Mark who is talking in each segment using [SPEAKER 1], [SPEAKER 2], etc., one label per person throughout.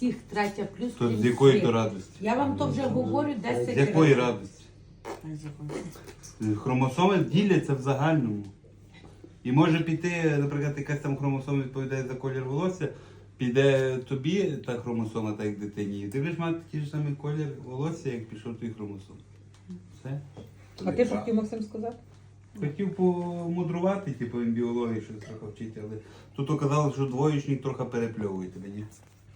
[SPEAKER 1] всіх третя плюс.
[SPEAKER 2] То
[SPEAKER 1] крім
[SPEAKER 2] з якої
[SPEAKER 1] всіх.
[SPEAKER 2] то радості?
[SPEAKER 1] Я вам то вже говорю 10 разів.
[SPEAKER 2] З якої радості?
[SPEAKER 1] Ай, з якої?
[SPEAKER 2] Хромосоми діляться в загальному. І може піти, наприклад, якась там хромосома відповідає за колір волосся, піде тобі та хромосома, так як дитині. І ти будеш мати такий ж самий колір волосся, як пішов твій хромосом. Все.
[SPEAKER 3] А ти що хотів, Максим, сказати?
[SPEAKER 2] Хотів помудрувати, типу, він біології щось трохи вчити, але тут оказалось, що двоєчник трохи перепльовує тебе, ні?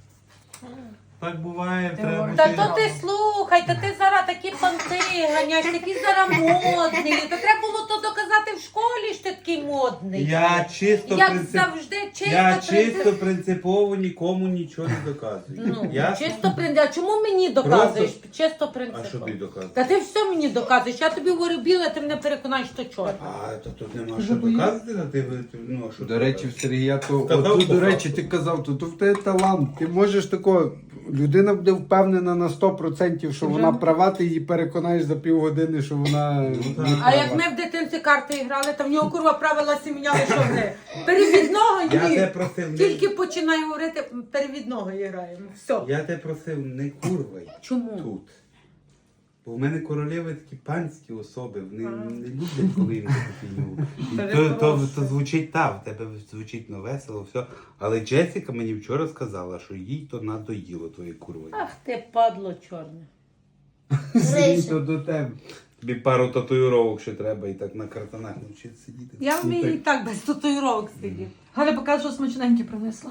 [SPEAKER 2] Так буває, треба
[SPEAKER 1] Та
[SPEAKER 2] бути...
[SPEAKER 1] то ти слухай, та ти зараз такі понти ганяєш, такі зараз модний. Та треба було то доказати в школі, що ти такий модний.
[SPEAKER 2] Я чисто,
[SPEAKER 1] Як завжди,
[SPEAKER 2] чисто принципово нікому нічого не доказую.
[SPEAKER 1] Ну,
[SPEAKER 2] Ясно?
[SPEAKER 1] чисто принципово. А чому мені доказуєш? Чисто принципово.
[SPEAKER 2] А що ти доказуєш?
[SPEAKER 1] Та ти все мені доказуєш. Я тобі говорю біле, ти мене переконаєш, що чорне.
[SPEAKER 2] А, то тут нема що доказувати, а ну, а що
[SPEAKER 4] До речі, в
[SPEAKER 2] доказувати?
[SPEAKER 4] Сергія, то
[SPEAKER 2] Сказав
[SPEAKER 4] отут,
[SPEAKER 2] по
[SPEAKER 4] до речі,
[SPEAKER 2] факту.
[SPEAKER 4] ти казав, то в тебе талант. Ти можеш такого, людина буде впевнена на 100%, що вона права, ти її переконаєш за півгодини, що вона не
[SPEAKER 2] так.
[SPEAKER 4] права.
[SPEAKER 1] А як ми в дитинці карти грали, то в нього курва правила сім'яли, що вони. Перевідного
[SPEAKER 2] Я тебе
[SPEAKER 1] ні.
[SPEAKER 2] просив, не...
[SPEAKER 1] Тільки починаю говорити, перевідного граємо. Все.
[SPEAKER 2] Я тебе просив, не курвай
[SPEAKER 1] Чому?
[SPEAKER 2] тут. Бо в мене королеви такі панські особи, вони не люблять, коли їм таку то звучить в тебе звучить весело, все. Але Джесіка мені вчора сказала, що їй то надоїло твоє курва.
[SPEAKER 1] Ах ти, падло чорне.
[SPEAKER 4] Сергій, то до тебе.
[SPEAKER 2] Тобі пару татуїровок ще треба і так на картонах навчитися сидіти.
[SPEAKER 1] Я вмію і так без татуїровок сидіти.
[SPEAKER 3] Галя покаже, що смачненьке принесла.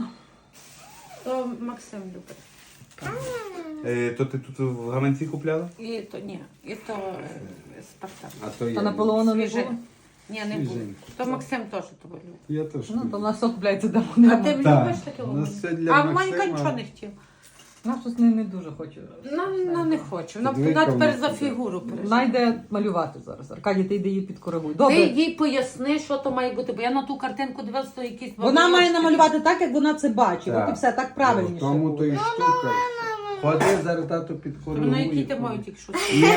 [SPEAKER 1] То Максим любить.
[SPEAKER 2] То ти тут в гаманці купляла?
[SPEAKER 1] І то ні, і то Спартак.
[SPEAKER 4] А то
[SPEAKER 3] Та
[SPEAKER 4] я.
[SPEAKER 3] Наполеона не
[SPEAKER 1] Свіже.
[SPEAKER 3] було?
[SPEAKER 1] Ні, не було. То Максим теж того любить.
[SPEAKER 4] Я теж.
[SPEAKER 3] Ну, то в нас все купляється
[SPEAKER 1] А
[SPEAKER 3] давно.
[SPEAKER 1] ти
[SPEAKER 4] Так.
[SPEAKER 1] любиш таке?
[SPEAKER 4] У нас все для
[SPEAKER 1] А
[SPEAKER 4] Максима.
[SPEAKER 1] Манька нічого не хотів.
[SPEAKER 3] Вона щось не дуже хоче.
[SPEAKER 1] Ну не хочу. Вона
[SPEAKER 4] Двійка
[SPEAKER 1] вона тепер
[SPEAKER 4] в
[SPEAKER 1] за
[SPEAKER 4] нас
[SPEAKER 1] фігуру
[SPEAKER 3] Вона
[SPEAKER 1] переживає.
[SPEAKER 3] йде малювати зараз. Аркадій, ти йди її підкоригуй.
[SPEAKER 1] Ти
[SPEAKER 3] Добре.
[SPEAKER 1] їй поясни, що то має бути, бо я на ту картинку дивилася, то якісь
[SPEAKER 3] Вона має
[SPEAKER 1] бабайочки.
[SPEAKER 3] намалювати так, як вона це бачить.
[SPEAKER 4] Так.
[SPEAKER 3] От і все, так правильніше.
[SPEAKER 4] Тому то
[SPEAKER 3] буде.
[SPEAKER 4] і штука. Ходи, зараз тато
[SPEAKER 1] Ну,
[SPEAKER 4] підкоригує.
[SPEAKER 1] який ти мають, якщо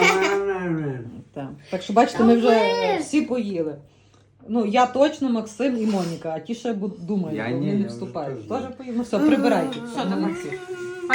[SPEAKER 3] Так. Так що бачите, ми вже всі поїли. Ну, я точно, Максим і Моніка, а ті ще думають,
[SPEAKER 4] Я
[SPEAKER 3] бо
[SPEAKER 4] ні,
[SPEAKER 3] вони
[SPEAKER 4] я
[SPEAKER 3] не
[SPEAKER 4] вже
[SPEAKER 3] вступають.
[SPEAKER 4] теж
[SPEAKER 3] Теж поїли? Ну все, прибирайте.
[SPEAKER 1] Все, давай.
[SPEAKER 3] Молодці.